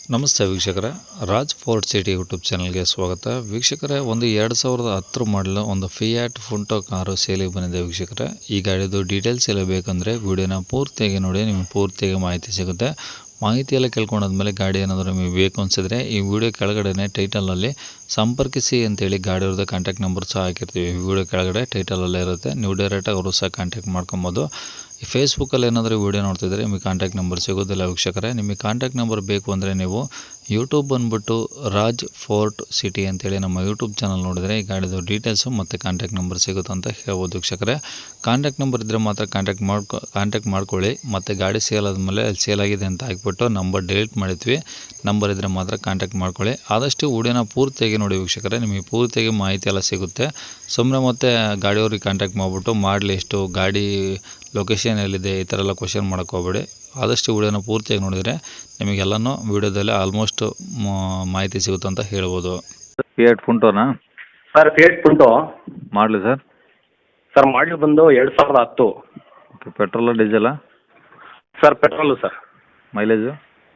ನಮಸ್ತೆ ವೀಕ್ಷಕರೇ, Raj fort city YouTube ಚಾನಲ್ಗೆ ಸ್ವಾಗತ. ವೀಕ್ಷಕರೇ, ಒಂದು 2010 ಮಾಡಲು ಒಂದು ಫಿಯಾಟ್ ಪುಂಟೋ ಕಾರು ಸೇಲಿಗೆ ಬಂದಿದೆ. ವೀಕ್ಷಕರೇ, ಈ ಗಾಡಿದು ಡೀಟೇಲ್ಸ್ ಎಲ್ಲ ಬೇಕಂದರೆ ವಿಡಿಯೋನ ಪೂರ್ತಿಯಾಗಿ ನೋಡಿ, ನಿಮಗೆ ಪೂರ್ತಿಯಾಗಿ ಮಾಹಿತಿ ಸಿಗುತ್ತೆ. ಮಾಹಿತಿ ಎಲ್ಲ ಕೇಳ್ಕೊಂಡಾದ್ಮೇಲೆ ಗಾಡಿ ಏನಾದರೂ ನಿಮಗೆ ಬೇಕು ಅನಿಸಿದ್ರೆ ಈ ವಿಡಿಯೋ ಕೆಳಗಡೆ ಟೈಟಲಲ್ಲಿ ಸಂಪರ್ಕಿಸಿ ಅಂತೇಳಿ ಗಾಡಿಯವ್ರದ್ದು ಕಾಂಟ್ಯಾಕ್ಟ್ ನಂಬರ್ ಸಹ ಹಾಕಿರ್ತೀವಿ. ಈ ವಿಡಿಯೋ ಕೆಳಗಡೆ ಟೈಟಲಲ್ಲೇ ಇರುತ್ತೆ, ನೀವು ಡೈರೆಕ್ಟಾಗಿ ಅವರು ಸಹ ಕಾಂಟ್ಯಾಕ್ಟ್ ಮಾಡ್ಕೊಬೋದು. ಈ ಫೇಸ್ಬುಕ್ಕಲ್ಲಿ ಏನಾದರೂ ವೀಡಿಯೋ ನೋಡ್ತಿದ್ರೆ ನಿಮಗೆ ಕಾಂಟ್ಯಾಕ್ಟ್ ನಂಬರ್ ಸಿಗೋದಿಲ್ಲ. ವೀಕ್ಷಕರೇ, ನಿಮಗೆ ಕಾಂಟ್ಯಾಕ್ಟ್ ನಂಬರ್ ಬೇಕು ಅಂದರೆ ನೀವು ಯೂಟ್ಯೂಬ್ ಬಂದುಬಿಟ್ಟು ರಾಜ್ ಫೋರ್ಟ್ ಸಿಟಿ ಅಂತೇಳಿ ನಮ್ಮ ಯೂಟ್ಯೂಬ್ ಚಾನಲ್ ನೋಡಿದರೆ ಈ ಗಾಡಿದು ಡೀಟೇಲ್ಸು ಮತ್ತು ಕಾಂಟ್ಯಾಕ್ಟ್ ನಂಬರ್ ಸಿಗುತ್ತೆ ಅಂತ ಹೇಳ್ಬೋದು. ವೀಕ್ಷಕರೇ, ಕಾಂಟ್ಯಾಕ್ಟ್ ನಂಬರ್ ಇದ್ದರೆ ಮಾತ್ರ ಕಾಂಟ್ಯಾಕ್ಟ್ ಮಾಡ್ಕೊಳ್ಳಿ. ಮತ್ತು ಗಾಡಿ ಸೇಲ್ ಆದಮೇಲೆ ಸೇಲ್ ಆಗಿದೆ ಅಂತ ಹಾಕ್ಬಿಟ್ಟು ನಂಬರ್ ಡಿಲೀಟ್ ಮಾಡಿದ್ವಿ. ನಂಬರ್ ಇದ್ದರೆ ಮಾತ್ರ ಕಾಂಟ್ಯಾಕ್ಟ್ ಮಾಡ್ಕೊಳ್ಳಿ. ಆದಷ್ಟು ವಿಡಿಯೋನ ಪೂರ್ತಿಯಾಗಿ ನೋಡಿ ವೀಕ್ಷಕರೇ, ನಿಮಗೆ ಪೂರ್ತಿಯಾಗಿ ಮಾಹಿತಿ ಎಲ್ಲ ಸಿಗುತ್ತೆ. ಸುಮ್ಮನೆ ಮತ್ತೆ ಗಾಡಿಯವ್ರಿಗೆ ಕಾಂಟ್ಯಾಕ್ಟ್ ಮಾಡಿಬಿಟ್ಟು ಮಾಡಲಿ ಎಷ್ಟು ಗಾಡಿ ಲೊಕೇಶನ್ ಎಲ್ಲಿದೆ ಈ ಥರ ಎಲ್ಲ ಕ್ವಶನ್ ಮಾಡೋಕ್ಕೆ ಹೋಗಬೇಡಿ. ಆದಷ್ಟು ವಿಡಿಯೋನ ಪೂರ್ತಿಯಾಗಿ ನೋಡಿದರೆ ನಿಮಗೆಲ್ಲನೂ ವಿಡಿಯೋದಲ್ಲಿ ಆಲ್ಮೋಸ್ಟ್ ಮಾಹಿತಿ ಸಿಗುತ್ತೆ ಅಂತ ಹೇಳ್ಬೋದು. ಫಿಯಾಟ್ ಪುಂಟೋನಾ ಸರ್? ಫಿಯಾಟ್ ಪುಂಟೋ ಮಾಡಲಿ ಸರ್. ಸರ್ ಮಾಡಲಿ ಬಂದು 2010. ಓಕೆ, ಪೆಟ್ರೋಲ ಡೀಸೆಲಾ? Sir petrol sir. Mileage?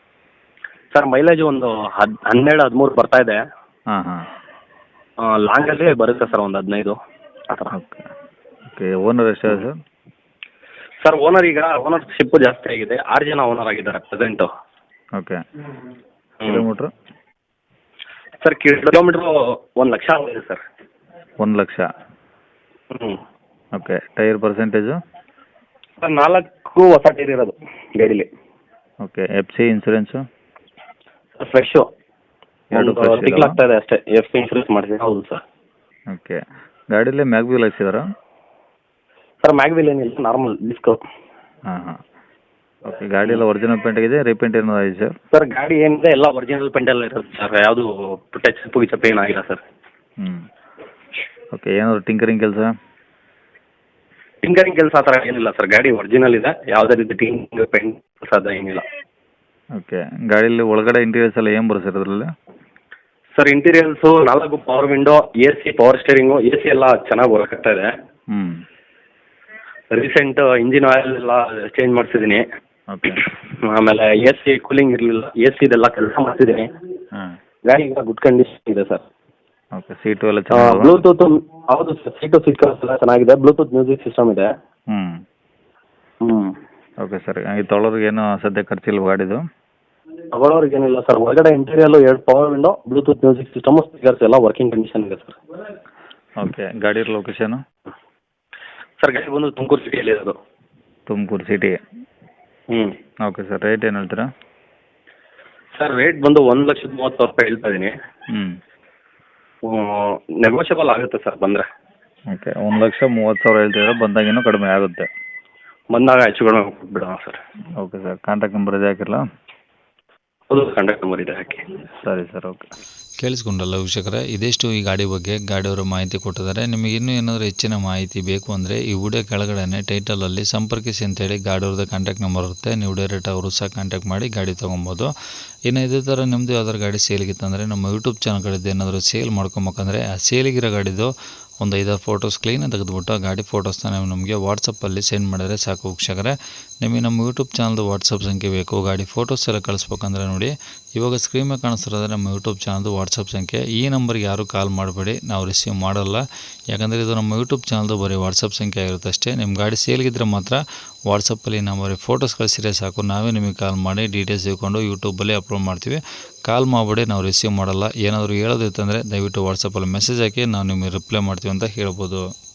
Sir mileage ಒಂದು 12-13 ಬರ್ತಾ ಇದೆ. ಹಾಂ ಹಾಂ. ಲಾಂಗಲ್ಲಿ ಬರುತ್ತೆ ಸರ್, ಒಂದು 15 ಆ ಥರ. Okay okay. ಓನರ್ ಎಷ್ಟಿದೆ ಸರ್? ಸರ್ ಓನರ್ಶಿಪ್ ಜಾಸ್ತಿ ಆಗಿದೆ. 6 ಜನ ಓನರ್ ಆಗಿದ್ದಾರೆ present. Okay. Kilometre? Sir kilometre 1 lakh ಆಗಿದೆ ಸರ್. 1 ಲಕ್ಷ. ಹ್ಞೂ. ಓಕೆ. Tyre percentage? ಸರ್ 4 ಹೊಸ ಟೈರ್ ಇರೋದು ಗಾಡೀಲಿ. Okay. F C insurance? Sir fresh. ಎರಡು fresh ತಿಂಗಳಾಗ್ತಾ ಇದೆ ಅಷ್ಟೇ. ಎಫ್ ಇನ್ಶೂರೆನ್ಸ್ ಮಾಡಿದ್ದೀನಿ. ಹೌದು ಸರ್. ಓಕೆ. ಗಾಡೀಲಿ ಮ್ಯಾಗ್ವಿಲ್ ಹಾಕ್ಸಿದಾರಾ? ಸರ್ ಮ್ಯಾಗ್ವಿಲ್ ಏನಿಲ್ಲ, ನಾರ್ಮಲ್ ಡಿಸ್ಕೋ. ಹಾಂ ಹಾಂ. ಓಕೆ. ಗಾಡಿ ಎಲ್ಲ ಒರಿಜಿನಲ್ ಪೇಂಟ್ ಆಗಿದೆ, ರೀಪೇಂಟ್ ಏನೋ ಆಗಿದೆ ಸರ್? ಸರ್ ಗಾಡಿ ಏನಿದೆ ಎಲ್ಲ ಒರಿಜಿನಲ್ ಪೆಂಟೆಲ್ಲ ಇರುತ್ತೆ ಸರ್. ಯಾವುದು ಟಚ್ ಗಿಚಪ್ ಏನಾಗಿಲ್ಲ ಸರ್. ಹ್ಞೂ. ಓಕೆ. ಏನಾದ್ರು ಟಿಂಕರಿಂಗ್ ಕೆಲಸ? ಟಿಂಕರಿಂಗ್ ಕೆಲಸ ಆ ಥರ ಏನಿಲ್ಲ ಸರ್. ಗಾಡಿ ಒರಿಜಿನಲ್ ಇದೆ, ಯಾವುದೇ ರೀತಿ ಟಿಂಕರಿಂಗ್ ಪೇಂಟ್ ಕೆಲಸ ಅದು ಏನಿಲ್ಲ. ಓಕೆ. ಗಾಡೀಲಿ ಒಳಗಡೆ ಇಂಟೀರಿಯರ್ಸ್ ಎಲ್ಲ ಏನು ಬರುತ್ತೆ ಸರ್ ಅದರಲ್ಲಿ? Sir interiors 4 power window, AC, power steering, AC ಎಲ್ಲ ಚೆನ್ನಾಗಿ ವರ್ಕ್ ಇದೆ. ಹ್ಞೂ. ರೀಸೆಂಟ್ ಇಂಜಿನ್ ಆಯಿಲ್ ಎಲ್ಲ ಚೇಂಜ್ ಮಾಡಿಸಿದ್ದೀನಿ. ಓಕೆ. ಆಮೇಲೆ AC ಕೂಲಿಂಗ್ ಇರಲಿಲ್ಲ, AC ಇದೆಲ್ಲ ಕೆಲಸ ಮಾಡ್ತಿದ್ದೀನಿ. ಹಾಂ. ಗಾಡಿ ಈಗ ಗುಡ್ ಕಂಡೀಷನ್ ಇದೆ ಸರ್. ಓಕೆ. ಸೀಟು ಎಲ್ಲ ಚೆನ್ನಾಗಿ? ಬ್ಲೂಟೂತ್ ಹೌದು ಸರ್, ಸೀಟ್ ಕವರ್ಸ್ ಎಲ್ಲ ಚೆನ್ನಾಗಿದೆ. ಬ್ಲೂಟೂತ್ ಮ್ಯೂಸಿಕ್ ಸಿಸ್ಟಮ್ ಇದೆ. ಹ್ಞೂ. ಹ್ಞೂ. Okay sir. ಹಾಗೆ ತೊಗೊಳೋರಿಗೇನು ಸದ್ಯ ಖರ್ಚಿಲ್ಲ ಗಾಡಿದು? ತಗೊಳ್ಳೋರಿಗೆ ಏನಿಲ್ಲ ಸರ್. ಒಳಗಡೆ ಇಂಟೀರಿಯಲ್ಲು 2 power window, Bluetooth music system, speakers ಎಲ್ಲ ವರ್ಕಿಂಗ್ ಕಂಡೀಷನ್ ಇದೆ ಸರ್. ಓಕೆ. ಗಾಡಿ ಲೊಕೇಶನು? ಸರ್ ಗಾಡಿ ಬಂದು ತುಮಕೂರು ಸಿಟಿಯಲ್ಲಿ ಇರೋದು. ತುಮಕೂರು ಸಿಟಿ. ಹ್ಞೂ. Okay sir. ರೇಟ್ ಏನು ಹೇಳ್ತೀರಾ? ಸರ್ ರೇಟ್ ಬಂದು 1,30,000 ಹೇಳ್ತಾ ಇದ್ದೀನಿ. ಹ್ಞೂ. ನೆಗೋಷಿಯಬಲ್ ಆಗುತ್ತೆ ಸರ್ ಬಂದರೆ. ಓಕೆ. 1,30,000 ಹೇಳ್ತಿದ್ರೆ ಬಂದಾಗ ಇನ್ನೂ ಕಡಿಮೆ ಆಗುತ್ತೆ. ಬಂದಾಗ ಹೆಚ್ಚು ಕಡಿಮೆ ಕೊಟ್ಬಿಡೋಣ sir. Okay sir. Contact number ಇದೆ ಹಾಕಿರಲ್ಲ? ಹೌದು, ಕಾಂಟ್ಯಾಕ್ಟ್ ನಂಬರ್ ಇದೆ ಹಾಕಿ. ಸರಿ ಸರ್. ಓಕೆ. ಕೇಳಿಸ್ಕೊಂಡಲ್ಲ ವೀಕ್ಷಕರೇ, ಇದಿಷ್ಟು ಈ ಗಾಡಿ ಬಗ್ಗೆ ಗಾಡಿಯವರು ಮಾಹಿತಿ ಕೊಟ್ಟಿದ್ದಾರೆ. ನಿಮಗೆ ಇನ್ನೂ ಏನಾದರೂ ಹೆಚ್ಚಿನ ಮಾಹಿತಿ ಬೇಕು ಅಂದರೆ ಈ ವಿಡಿಯೋ ಕೆಳಗಡೆ ಟೈಟಲಲ್ಲಿ ಸಂಪರ್ಕಿಸಿ ಅಂತೇಳಿ ಗಾಡಿಯವ್ರದ್ದು ಕಾಂಟ್ಯಾಕ್ಟ್ ನಂಬರ್ ಇರುತ್ತೆ. ನೀವು ಡೈರೆಕ್ಟ್ ಅವರು ಸಹ ಕಾಂಟ್ಯಾಕ್ಟ್ ಮಾಡಿ ಗಾಡಿ ತೊಗೊಬೋದು. ಇನ್ನು ಇದೇ ಥರ ನಿಮ್ಮದು ಯಾವ್ದಾದ್ರು ಗಾಡಿ ಸೇಲಿಗಿತ್ತಂದರೆ ನಮ್ಮ ಯೂಟ್ಯೂಬ್ ಚಾನಲ್ ಕಡೆದು ಏನಾದರೂ ಸೇಲ್ ಮಾಡ್ಕೊಬೇಕಂದ್ರೆ ಆ ಸೇಲಿಗಿರೋ ಗಾಡಿದು ಒಂದು 5 ಫೋಟೋಸ್ ಕ್ಲೀನಾಗಿ ತೆಗೆದುಬಿಟ್ಟು ಆ ಗಾಡಿ ಫೋಟೋಸ್ನ ನೀವು ನಮಗೆ ವಾಟ್ಸಪ್ಪಲ್ಲಿ ಸೆಂಡ್ ಮಾಡಿದರೆ ಸಾಕು ವೀಕ್ಷಕರೇ. ನಿಮಗೆ ನಮ್ಮ ಯೂಟ್ಯೂಬ್ ಚಾನಲ್ದು ವಾಟ್ಸಪ್ ಸಂಖ್ಯೆ ಬೇಕು, ಗಾಡಿ ಫೋಟೋಸ್ ಎಲ್ಲ ಕಳಿಸ್ಬೇಕಂದ್ರೆ ನೋಡಿ ಇವಾಗ ಸ್ಕ್ರೀನ್ ಮೇಲೆ ಕಾಣಿಸ್ತಿರೋದ್ರೆ ನಮ್ಮ ಯೂಟ್ಯೂಬ್ ಚಾನಲ್ದು ವಾಟ್ಸಪ್ ಸಂಖ್ಯೆ. ಈ ನಂಬರ್ಗೆ ಯಾರೂ ಕಾಲ್ ಮಾಡಬೇಡಿ, ನಾವು ರಿಸೀವ್ ಮಾಡಲ್ಲ. ಯಾಕಂದರೆ ಇದು ನಮ್ಮ ಯೂಟ್ಯೂಬ್ ಚಾನಲ್ದು ಬರೀ ವಾಟ್ಸಪ್ ಸಂಖ್ಯೆ ಆಗಿರುತ್ತೆ ಅಷ್ಟೇ. ನಿಮ್ಮ ಗಾಡಿ ಸೇಲ್ಗಿದ್ರೆ ಮಾತ್ರ ವಾಟ್ಸಪ್ಪಲ್ಲಿ ನಾವು ಬರೀ ಫೋಟೋಸ್ ಕಳಿಸಿದ್ರೆ ಸಾಕು, ನಾವೇ ನಿಮಗೆ ಕಾಲ್ ಮಾಡಿ ಡೀಟೇಲ್ಸ್ ತಿಳ್ಕೊಂಡು ಯೂಟ್ಯೂಬಲ್ಲಿ ಅಪ್ಲೋಡ್ ಮಾಡ್ತೀವಿ. ಕಾಲ್ ಮಾಡಿಬಿಡಿ, ನಾವು ರಿಸೀವ್ ಮಾಡಲ್ಲ. ಏನಾದರೂ ಹೇಳೋದಿತ್ತಂದರೆ ದಯವಿಟ್ಟು ವಾಟ್ಸಪ್ಪಲ್ಲಿ ಮೆಸೇಜ್ ಹಾಕಿ ನಾವು ನಿಮಗೆ ರಿಪ್ಲೈ ಮಾಡ್ತೀವಿ ಅಂತ ಹೇಳ್ಬೋದು.